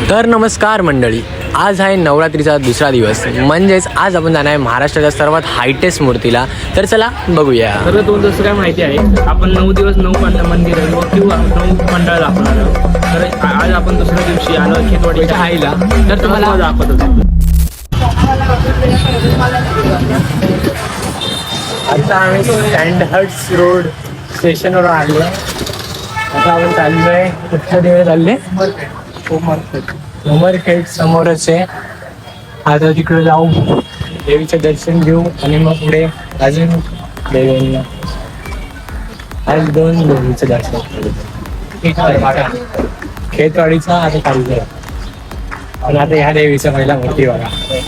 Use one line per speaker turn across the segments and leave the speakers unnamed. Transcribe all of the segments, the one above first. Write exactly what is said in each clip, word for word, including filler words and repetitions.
तर नमस्कार मंडळी, आज आहे नवरात्रीचा दुसरा दिवस, म्हणजेच आज आपण जाणार आहे महाराष्ट्राच्या सर्वात हायटेस्ट मूर्तीला. तर चला बघूया.
तर दोन दिवस काय माहिती आहे, आपण नऊ दिवस नऊ मंडळ मंदिर किंवा नऊ मंडळ दाखवणार आहोत. तर आज आपण दुसऱ्या दिवशी आलो खेतवाडीच्या आईला, तर तुम्हाला दाखवत होतो.
आता आम्ही सँडहर्ट्स रोड स्टेशनवर आलो. आता आपण चाललोय कुठच्या देवी चालले? उमरखेड समोरच आहे. आता तिकडे जाऊ, देवीचं दर्शन घेऊ आणि मग पुढे अजून देवींना आज दोन देवीचं दर्शन. खेतवाडीचा आता चाललोय, पण आता ह्या देवीचा पहिला मूर्ती बघा.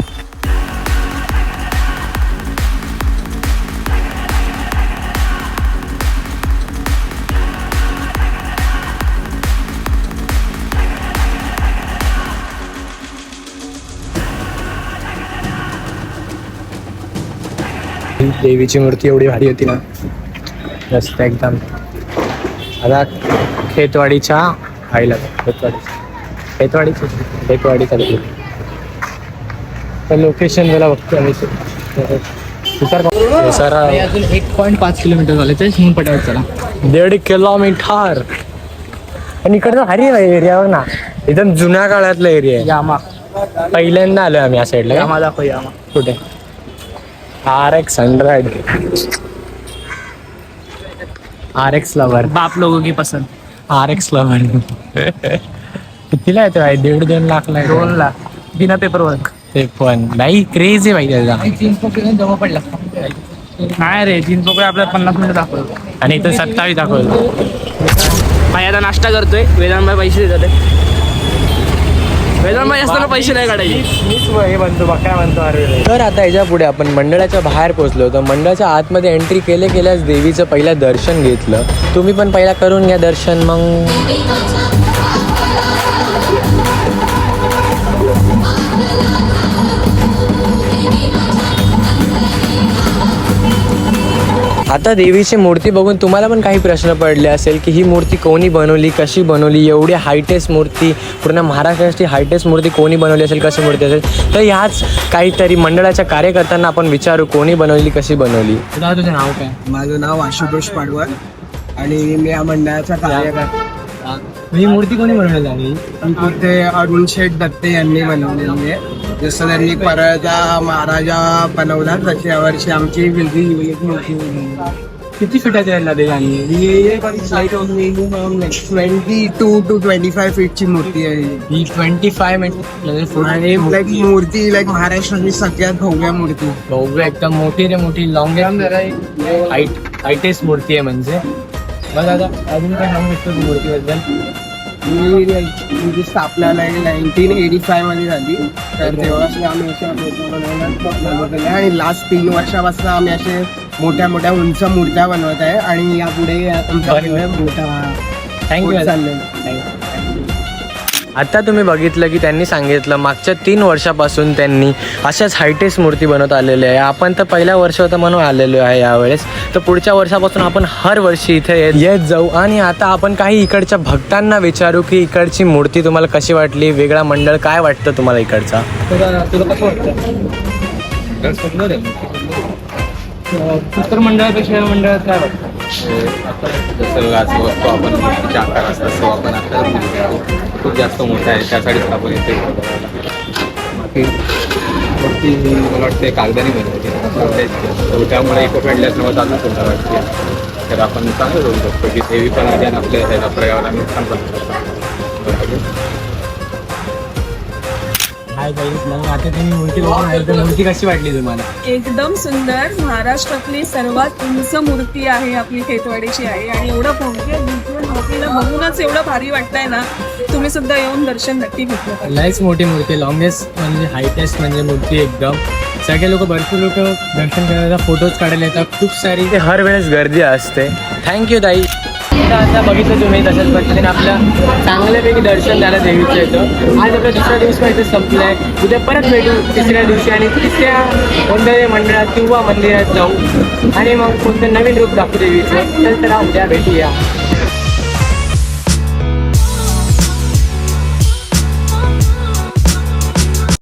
देवीची मूर्ती एवढी भारी होती ना, मस्त एकदम. आता खेतवाडीच्या आईला खेतवाडी खेतवाडीची खेतवाडीचा तर लोकेशन मला बघतो आम्ही. सर
अजून एक पॉईंट पाच किलोमीटर झाले ते म्हणून पटावत चला.
दीड किलोमीटर. पण इकडचा भारी एरिया बघ ना, एकदम जुन्या काळातला एरिया आहे.
यामा
पहिल्यांदा आलोय आम्ही या साईडला.
यामा दाखव. यामा
कुठे? R X hundred R X lover.
बाप लोगों की पसंद.
आर एक्स लवर कितीला येतो भाई? दीड दोन लाखला आहे.
दोन लाख बिना पेपर वर्क.
ते पण नाही, क्रेज आहे भाई त्याचा.
जीन्स पकडून जमा पडला नाही रे. जीन्स पकडे आपल्याला पन्नास मिनिटं दाखवतो
आणि इथं सत्तावीस दाखवतो.
भाई आता नाश्ता करतोय. वेदांत पैसे देतात. वेदांत असताना पैसे नाही काढायचे.
हे म्हणतो बघ काय म्हणतो अरे. तर आता याच्या पुढे आपण मंडळाच्या बाहेर पोहोचलो होतो. मंडळाच्या आतमध्ये एंट्री केले केल्यास देवीचं पहिलं दर्शन घेतलं. तुम्ही पण पहिला करून घ्या दर्शन. मग आता देवीची मूर्ती बघून तुम्हाला पण काही प्रश्न पडले असेल की ही मूर्ती कोणी बनवली, कशी बनवली, एवढी हायटेस्ट मूर्ती, पूर्ण महाराष्ट्राची हायटेस्ट मूर्ती कोणी बनवली असेल, कशी मूर्ती असेल. तर ह्याच काहीतरी मंडळाच्या कार्यकर्त्यांना आपण विचारू कोणी बनवली, कशी बनवली.
तुला तुझं नाव काय?
माझं नाव आशुतोष पाडवर आणि मी या मंडळाचा कार्यकर्ता.
ही मूर्ती कोणी बनवली आहे?
ते अरुण शेठ दत्ते यांनी बनवलेली आहे. जसं त्यांनी परळचा महाराजा बनवला तशी यावर्षी आमची विलगी मूर्ती
किती फिटाची आहे नदी?
Twenty two two twenty five फीटची मूर्ती आहे
ही. ट्वेंटी फाय म्हणजे
आणि लाईक मूर्ती लाईक महाराष्ट्रातली सगळ्यात भव्य मूर्ती.
भव्य एकदम मोठी रे मोठी, लॉंगेस्ट हाईट हायटेस्ट मूर्ती आहे. म्हणजे
बघ आता अजून काय सांगू शकतो तू मूर्तीबद्दल?
ही स्थापना नाईन्टीन एटी फाय मध्ये झाली. तर तेव्हापासून आम्ही अशा बनवलेल्या आणि लास्ट तीन वर्षापासून आम्ही असे मोठ्या मोठ्या उंच मूर्त्या बनवत आहे आणि यापुढे आमचा मोठा
थँक्यू
चाललेला.
आता तुम्ही बघितलं की त्यांनी सांगितलं मागच्या तीन वर्षापासून त्यांनी अशाच हायटेस्ट मूर्ती बनवत आलेले आहे. आपण तर पहिल्या वर्ष होतं म्हणून आलेलो आहे यावेळेस. तर पुढच्या वर्षापासून आपण हर वर्षी इथे येत येत जाऊ. आणि आता आपण काही इकडच्या भक्तांना विचारू की इकडची मूर्ती तुम्हाला कशी वाटली, वेगळा मंडळ काय वाटतं तुम्हाला इकडचा.
तुला तुला कसं वाटतं? उत्तर मंडळापेक्षा या मंडळात काय वाटतं?
जसं आज बघतो आपण मूर्तीचे आकार असतात तसं आपण आता खूप जास्त मोठा आहे, त्यासाठीच आपण इथे बाकी मूर्ती मला वाटते कागदाने बनवायची. त्यामुळे इको फ्रेंडली असल्यामुळे अजून सुंदर वाटते. तर आपण चांगलं करू शकतो की देवी पण आहे आणि आपल्या त्याच्या पर्यावरण नुकसान पण शकतो.
हाय गाईज, मग आता तुम्ही मूर्ती बघून आहे तर मूर्ती कशी वाटली तुम्हाला?
एकदम सुंदर. महाराष्ट्रातली सर्वात उंच मूर्ती आहे आपली खेतवाडीची आहे आणि एवढं भव्य दिव्य मूर्तीला बघूनच एवढं भारी वाटतंय ना. तुम्ही सुद्धा येऊन दर्शन नक्की घेतलं पाहिजे.
लयच मोठी मूर्ती, लॉंगेस्ट म्हणजे हायटेस्ट म्हणजे मूर्ती एकदम. सगळे लोक भरपूर लोक दर्शन करायला, फोटोज काढायला येतात. खूप सारी ते हर वेळेस गर्दी असते. थँक्यू ताई. आता बघितलं तुम्ही तशाच पद्धतीने आपलं चांगल्यापैकी दर्शन झालं देवीचं येतं. आज आपला दुसरा दिवस माहिती संपला आहे. उद्या परत भेटू तिसऱ्या दिवशी आणि तिसऱ्या कोणत्या मंडळात किंवा मंदिरात जाऊ आणि मग कोणतं नवीन रूप दाखवू देवीचं. तर चला उद्या भेटूया.